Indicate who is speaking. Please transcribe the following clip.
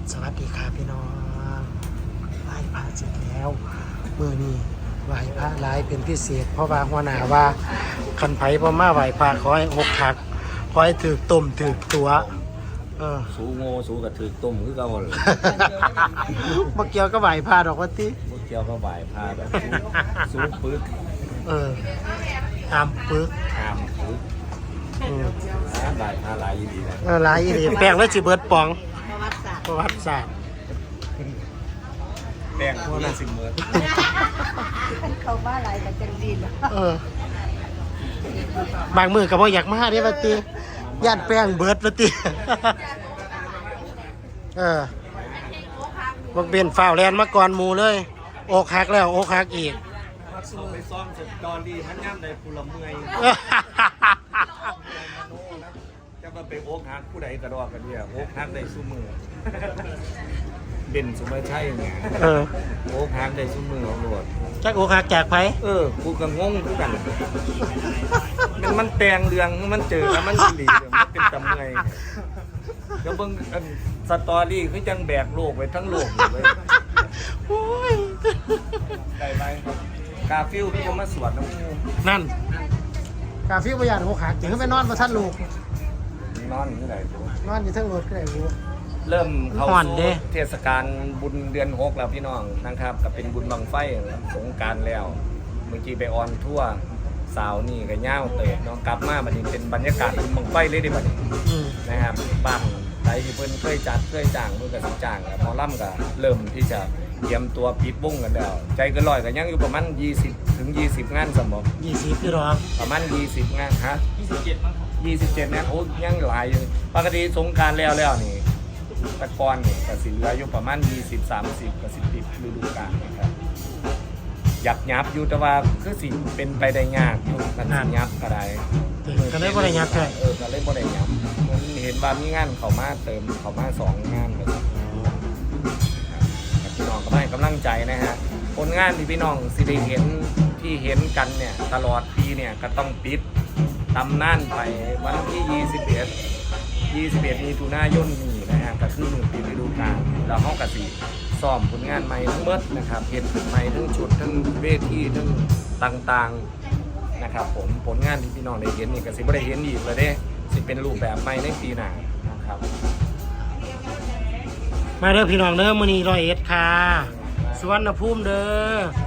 Speaker 1: สวัสดีค่ะพี่น้องไหว้พระเสร็จแล้วมื้อนี้ไหว้พระหลายเป็นพิเศษเพราะว่าหัวหน้าว่าคันไผบ่มาไหว้พระขอให้อกหักขอให้ถูกต้มถูกตัว
Speaker 2: สูโง่สูกระถือต้มคือเก่าเลย
Speaker 1: บ่เกี่ยวกับไหว้พระดอกว่าติ
Speaker 2: พวกเกี่ยวก็บ่ายพาแบบสูปึก
Speaker 1: ตามปึก
Speaker 2: ตามปึกบ่ายพาหลายดีนะ
Speaker 1: หลายอีหลีแป้งแล้วสิเบิดป่อง
Speaker 3: ประวัติศาสตร์
Speaker 1: ประวัติศาสตร์
Speaker 2: แป้งพวกนั้นสิเมื่อ
Speaker 3: เขาบ้าอะไรกันจังดีน
Speaker 1: บางมื้อก็บ่อยากมาเด้ว่าติย่านแป้งเบิดว่าติบักเบนฟ้าวแลนมาก่อนหมู่เลยอกหักแล้วอกหักอีก
Speaker 2: สูไปซ่อมสตอรี่มันย่ำได้ผู้ละเมื่อยจะมาไปโอ๊กฮักผู้ใดกระดอกกันเนี่ยโอ๊กฮักได้สู้มือเบนสุมาชัยเนี่ยโอ๊กฮักได้สู้มือของโลด
Speaker 1: จักอกหักจากไผ
Speaker 2: กูก็งงทุกกันมันแตงเรืองมันเจอแล้วมันสิริมันเป็นตำไงก็เบิ่งสตอรี่คือจังแบกโลกไว้ทั้งโลกเลย
Speaker 1: โอ้ย
Speaker 2: ได้ไหมกาฟิลพี่ก็มาสวดน้ำมู
Speaker 1: นั่นกาฟิวบ่ย่านอกหักจังไปนอนบ่ทันลูก
Speaker 2: นอนอยู่ไหนกู
Speaker 1: นอนอยู่เทิงรถก็ได้รู้
Speaker 2: เริ่มเข้า
Speaker 1: ห่อนเด้
Speaker 2: สู่เทศกาลบุญเดือน6แล้วพี่น้องนะครับก็เป็นบุญบังไฟสงกรานต์แล้วเมื่อกี้ไปออนทั่วสาวนี่ก็ย่าวเตะน้องกลับมาบัดนี้เป็นบรรยากาศบุญบังไฟเลยดิบัดนี้ นะครับบ้านไหนที่เพิ่นเคยจัดเคยจ้างเพิ่นก็สิจ้างแล้วหมอลำก็เริ่มที่จะเตรียมตัวปิดวงกันแล้วใจเกินร้อยก็ยังอยู่ประมาณ20 ถึง 20 งานสมบ่
Speaker 1: 20พี่รอง
Speaker 2: ประมาณ20 งานฮะ27มั้ง27งานโอ้ยังหลายอยู่ปกติสงกรานต์แล้วนี่แตะกอนนี่ก็สิเหลืออยู่ประมาณ20 30ก็สิปิดฤดูกาลนะครับอยากยับอยู่แต่ว่าคือสิเป็นไปได้ยากอยู่กันสิยับก็ได้
Speaker 1: ก็เลยบ่ได้ยับแท้
Speaker 2: ก็เลยบ่ได้ยับมันเห็นว่ามีงานเขามาเติมเขามา2 งานเลยพี่น้องก็ให้กำลังใจนะฮะผลงานที่พี่น้องสิได้เห็นที่เห็นกันเนี่ยตลอดปีเนี่ยก็ต้องปิดตำนานไปวันที่21มีถุนายนนี้นะฮะก็คือปิดฤดูกาลแล้วเฮาก็สิซ้อมผลงานใหม่ทั้งหมดนะครับเฮ็ดขึ้นใหม่ทั้งชุดทั้งเวทีทั้งต่างๆนะครับผมผลงานที่พี่น้องได้เห็นนี่ก็สิบ่ได้เห็นอีกเลยเด้สิเป็นรูปแบบใหม่ในปีหน้านะครับ
Speaker 1: มาเด้อพี่น้องเด้อมื้อนี้101ค่ะสุวรรณภูมิเด้อ